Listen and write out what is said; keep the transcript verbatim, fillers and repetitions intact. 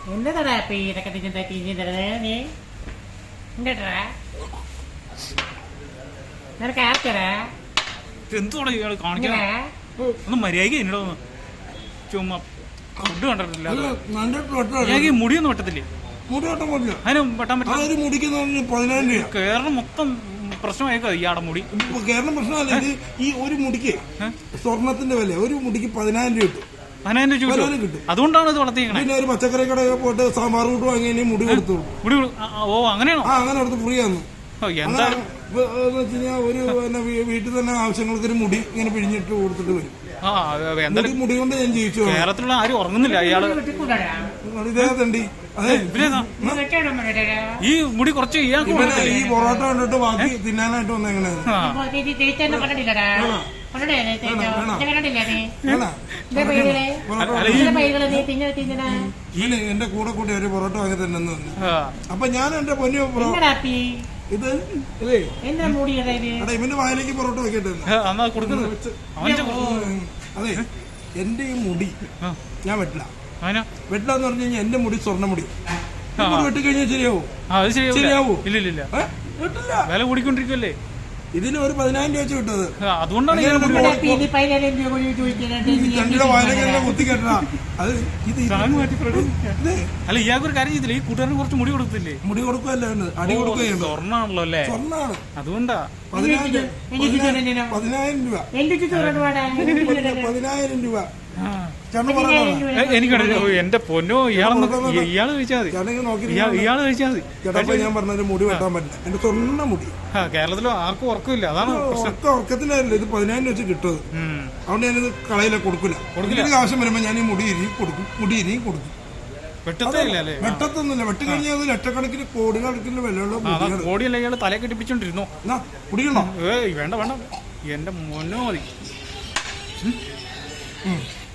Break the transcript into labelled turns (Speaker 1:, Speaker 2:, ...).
Speaker 1: എന്നതാടാ ഇപ്പൊ ഇതൊക്കെ തിന്നെ തിന്നുന്നത് നീ എന്താ നിനക്ക് ആർക്കടാ
Speaker 2: എന്തുവാണ് ഇയാൾ കാണിക്കണേ? ഒന്ന് മര്യാദയ്ക്ക് എന്നോട് ഒന്ന് ചുമ്മാ ഫുഡ് കണ്ടിട്ടില്ല. മര്യാദയ്ക്ക് മുടിയൊന്നും വെട്ടത്തില്ലേ?
Speaker 3: മുടി വെട്ടാൻ പറ്റില്ല.
Speaker 2: അതിന് വെട്ടാൻ പറ്റില്ല.
Speaker 3: ഒരു മുടിക്ക് പതിനായിരം രൂപ.
Speaker 2: കേരളം മൊത്തം പ്രശ്നമായേക്കോ ഇയാടെ മുടി?
Speaker 3: കേരളം പ്രശ്നമല്ല, ഇത് ഈ ഒരു മുടിക്ക് സ്വർണത്തിന്റെ വില ഒരു മുടിക്ക് പതിനായിരം രൂപ കിട്ടും.
Speaker 2: പതിനായിരം രൂപ കിട്ടും. അതുകൊണ്ടാണ് ഇത് വളർത്തിയേക്കണേ.
Speaker 3: പിന്നെ ഒരു പച്ചക്കറി കടയിൽ പോയിട്ട് സാമ്പാർ കൂട്ട് വാങ്ങി മുടി കൊടുത്തു.
Speaker 2: മുടി ഓ അങ്ങനെയാണോ?
Speaker 3: ആ അങ്ങനെ കൊടുത്ത് ഫ്രീ ആന്നു.
Speaker 2: എന്താ
Speaker 3: ഒരു വീട്ടിൽ തന്നെ ആവശ്യങ്ങൾക്ക് ഒരു മുടി ഇങ്ങനെ പിഴിഞ്ഞിട്ട് കൊടുത്തിട്ട് വരും.
Speaker 2: ആ എന്തായാലും
Speaker 3: മുടി കൊണ്ട് ഞാൻ ജീവിച്ചു.
Speaker 2: കേരളത്തിലുള്ള ആരും ഉറങ്ങുന്നില്ല. ഇയാള്
Speaker 3: ഇതേതണ്ടി അതെ
Speaker 2: ഈ മുടി കുറച്ച് ഇയാൾക്ക്
Speaker 3: ഈ പൊറോട്ട കണ്ടിട്ട് ബാക്കി തിന്നാനായിട്ട് വന്നെങ്ങനെ എന്റെ കൂടെ കൂട്ടി ഒരു പൊറോട്ട വാങ്ങി തന്നെ വന്നു. അപ്പൊ ഞാൻ എന്റെ പൊന്നു ഇത് ഇവന്റെ വായിലേക്ക് പൊറോട്ട വെക്കട്ടെ. അതെ, എന്റെ ഈ മുടി ഞാൻ വെട്ടില്ല. വെട്ടില്ല എന്ന് പറഞ്ഞു കഴിഞ്ഞാൽ എന്റെ മുടി സ്വർണ്ണ മുടി. വെട്ടിക്കഴിഞ്ഞാൽ ശരിയാവോ? ശരിയാവോ?
Speaker 2: ഇല്ല,
Speaker 3: വെട്ടില്ല.
Speaker 2: വില കൂടിക്കൊണ്ടിരിക്കുമല്ലേ?
Speaker 3: ഇതിന് ഒരു പതിനായിരം രൂപ വെച്ച് കിട്ടത്.
Speaker 2: അതുകൊണ്ടാണ്
Speaker 3: രണ്ടിയുടെ വായിലേക്ക് കുത്തി കെട്ടണ. അത് ഇത്
Speaker 2: അല്ല, ഇയാൾക്ക് ഒരു കാര്യം ചെയ്തില്ല. ഈ കൂട്ടുകാരന് കുറച്ച് മുടി കൊടുത്തില്ലേ?
Speaker 3: മുടി കൊടുക്കുകയല്ല, അടി കൊടുക്കുകയാണ്.
Speaker 2: സ്വർണ്ണാണല്ലോ അല്ലേ?
Speaker 3: സ്വർണ്ണാണ്.
Speaker 2: അതുകൊണ്ടാ
Speaker 3: പതിനായിരം പതിനായിരം രൂപ പതിനായിരം രൂപ
Speaker 2: എനിക്കറിയാം. എന്റെ പൊന്നോ, ഇയാളെ ഇയാള് കഴിച്ചാൽ മതി. ഇയാള് കഴിച്ചാൽ മതി.
Speaker 3: ചേട്ടാ, ഞാൻ പറഞ്ഞ മുടി വെട്ടാൻ പറ്റില്ല. എന്റെ സ്വർണ്ണ മുടി.
Speaker 2: കേരളത്തിലോ ആർക്കും ഉറക്കമില്ല. അതാണ്
Speaker 3: ഉറക്കത്തിലല്ല, ഇത് പതിനായിരം വെച്ച് കിട്ടുന്നത്. അതുകൊണ്ട് ഞാനിത് കളയില കൊടുക്കില്ല. കൊടുക്കില്ല. ആവശ്യം വരുമ്പോ ഞാൻ ഈ മുടി ഇരിയും കൊടുക്കും. മുടി ഇരിയും കൊടുക്കും. വെട്ടത്തൊന്നുമില്ല. വെട്ടി കഴിഞ്ഞാൽ അത് ലക്ഷക്കണക്കിന് കോടിക്കണക്കിന് വിലയുള്ള
Speaker 2: കോടിയല്ല. ഇയാള് തല കെട്ടിപ്പിച്ചോണ്ടിരുന്നോ?
Speaker 3: കുടിക്കണോ?
Speaker 2: ഏയ് വേണ്ട വേണ്ട, എന്റെ മോനോ മതി.